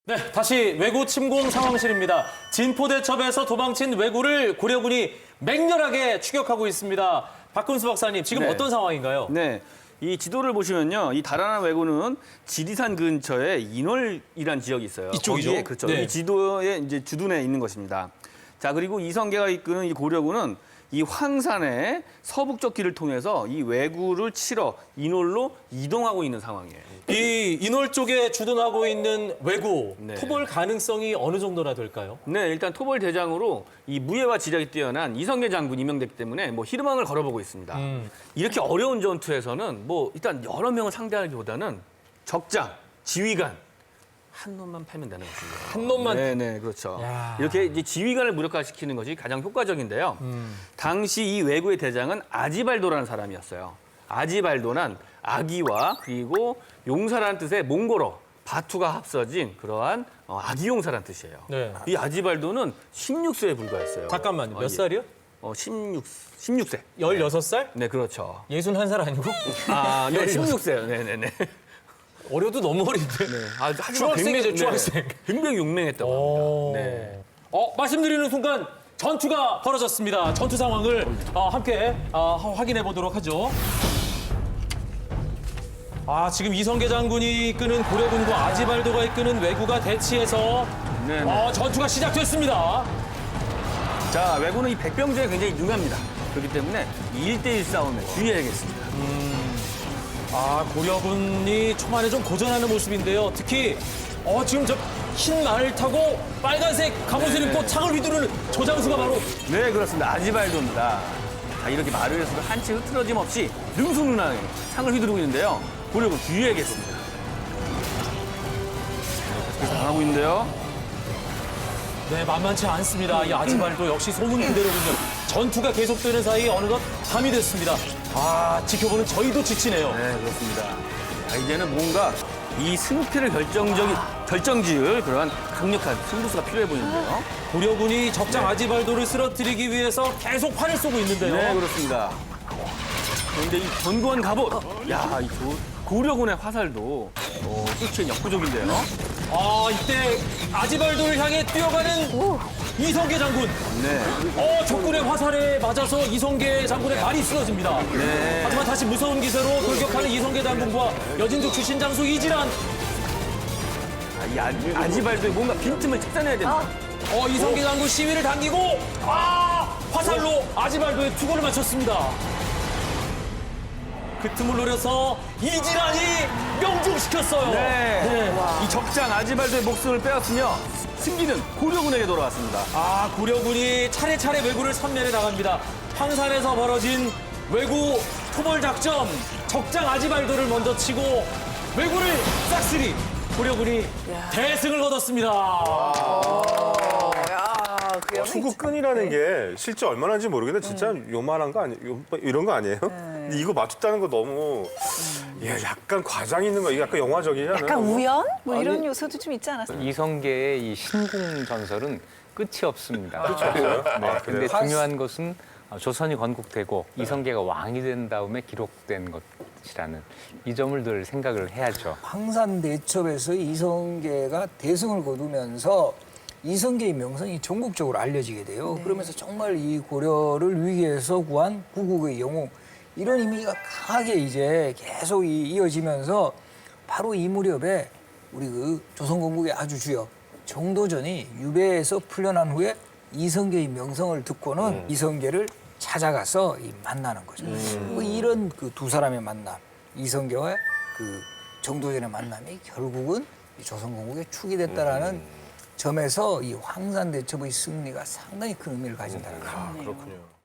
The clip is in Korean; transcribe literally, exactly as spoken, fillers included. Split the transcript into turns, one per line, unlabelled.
네, 다시 왜구 침공 상황실입니다. 진포대첩에서 도망친 왜구를 고려군이 맹렬하게 추격하고 있습니다. 박근수 박사님, 지금
네.
어떤 상황인가요?
네. 이 지도를 보시면요. 이 달아난 왜구는 지리산 근처에 인월이라는 지역이 있어요.
이쪽이죠?
거기에, 그렇죠.
네.
이 지도에 이제 주둔해 있는 것입니다. 자, 그리고 이성계가 이끄는 이 고려군은 이 황산의 서북쪽 길을 통해서 이 왜구를 치러 인월로 이동하고 있는 상황이에요.
이 인월 쪽에 주둔하고 있는 왜구,
네.
토벌 가능성이 어느 정도나 될까요?
네, 일단 토벌 대장으로 이 무예와 지략이 뛰어난 이성계 장군이 임명됐기 때문에 뭐 희망을 걸어보고 있습니다.
음.
이렇게 어려운 전투에서는 뭐 일단 여러 명을 상대하기보다는 적장, 지휘관 한 놈만 팔면 되는 것입니다.
한 놈만?
네, 네, 그렇죠.
야.
이렇게 이제 지휘관을 무력화시키는 것이 가장 효과적인데요.
음.
당시 이 왜구의 대장은 아지발도라는 사람이었어요. 아지발도는 아기와 그리고 용사라는 뜻의 몽골어 바투가 합쳐진 그러한 어, 아기용사라는 뜻이에요.
네.
이 아지발도는 십육 세에 불과했어요.
잠깐만요. 몇
어, 예.
살이요?
어, 십육, 십육 세.
열여섯 살?
네, 그렇죠.
예순한 살 아니고?
아, 네,
열여섯.
십육 세요. 네, 네, 네.
어려도 너무 어린데.
네. 아, 하지만
중학생이죠,
굉장히-
중학생.
네, 굉장히 용맹했다고
오.
합니다. 네.
어, 말씀드리는 순간 전투가 벌어졌습니다. 전투 상황을 어, 함께 어, 확인해 보도록 하죠. 아, 지금 이성계 장군이 이끄는 고려군과 아지발도가 이끄는 왜구가 대치해서
네, 네.
어, 전투가 시작됐습니다.
자, 왜구는 이 백병제에 굉장히 능합니다. 그렇기 때문에 이 일대일 싸움에 주의해야겠습니다.
아, 고려군이 초반에 좀 고전하는 모습인데요. 특히 어, 지금 저 흰 말을 타고 빨간색 갑옷을 입고 창을 휘두르는 저 장수가 바로
네, 그렇습니다. 아지발도입니다. 자, 이렇게 말을 해서도 한치 흐트러짐 없이 능수능란하게 창을 휘두르고 있는데요. 고려군 주의해야겠습니다. 계속 당하고 있는데요.
네, 만만치 않습니다. 이 아지발도 역시 소문 그대로군요. 전투가 계속되는 사이 어느덧 밤이 됐습니다. 아, 지켜보는 저희도 지치네요.
네, 그렇습니다. 자, 이제는 뭔가 이 승패를 결정적인, 결정지을 그러한 강력한 승부수가 필요해 보이는데요.
고려군이 적장 아지발도를 쓰러뜨리기 위해서 계속 활을 쏘고 있는데요.
네, 그렇습니다. 그런데 이 견고한 갑옷, 야, 이 조- 고려군의 화살도 어, 쫓기엔 역부족인데요.
아, 이때 아지발도를 향해 뛰어가는 이성계 장군.
네.
어, 적군의 화살에 맞아서 이성계 장군의 발이 쓰러집니다.
네.
하지만 다시 무서운 기세로 돌격하는 이성계 장군과 여진족 출신 장수 이지란.
아, 이 아, 아지발도에 뭔가 빈틈을 찾아내야 된다.
어, 이성계 장군 시위를 당기고 아, 화살로 아지발도에 투구를 맞췄습니다. 그 틈을 노려서 이지란이 명중시켰어요.
네. 이 적장 아지발도의 목숨을 빼앗으며 승기는 고려군에게 돌아왔습니다.
아, 고려군이 차례차례 왜구를 섬멸해 나갑니다. 황산에서 벌어진 왜구 토벌 작전, 적장 아지발도를 먼저 치고 왜구를 싹쓸이 고려군이 대승을 거뒀습니다.
야, 그 영이
투구끈이라는 게 실제 얼마나인지 모르겠는데 진짜 요만한 거 아니 요 이런 거 아니에요? 근데 이거 맞췄다는 거 너무 예, 약간 과장 있는 거, 이거 약간 영화적이잖아요.
약간 우연? 뭐 이런
아니,
요소도 좀 있지 않았어요?
이성계의 이 신궁 전설은 끝이 없습니다.
그렇죠.
네, 근데 중요한 것은 조선이 건국되고 이성계가 왕이 된 다음에 기록된 것이라는 이 점을 늘 생각을 해야죠.
황산대첩에서 이성계가 대승을 거두면서 이성계의 명성이 전국적으로 알려지게 돼요. 그러면서 정말 이 고려를 위기에서 구한 구국의 영웅 이런 이미지가 강하게 이제 계속 이- 이어지면서 바로 이 무렵에 우리 그 조선건국의 아주 주역 정도전이 유배에서 풀려난 후에 이성계의 명성을 듣고는 이성계를 찾아가서 이 만나는 거죠. 그 이런 그 두 사람의 만남, 이성계와 그 정도전의 만남이 결국은 이 조선건국의 축이 됐다라는 점에서 이 황산대첩의 승리가 상당히 큰 의미를 가진다는 거예요.
그렇군요.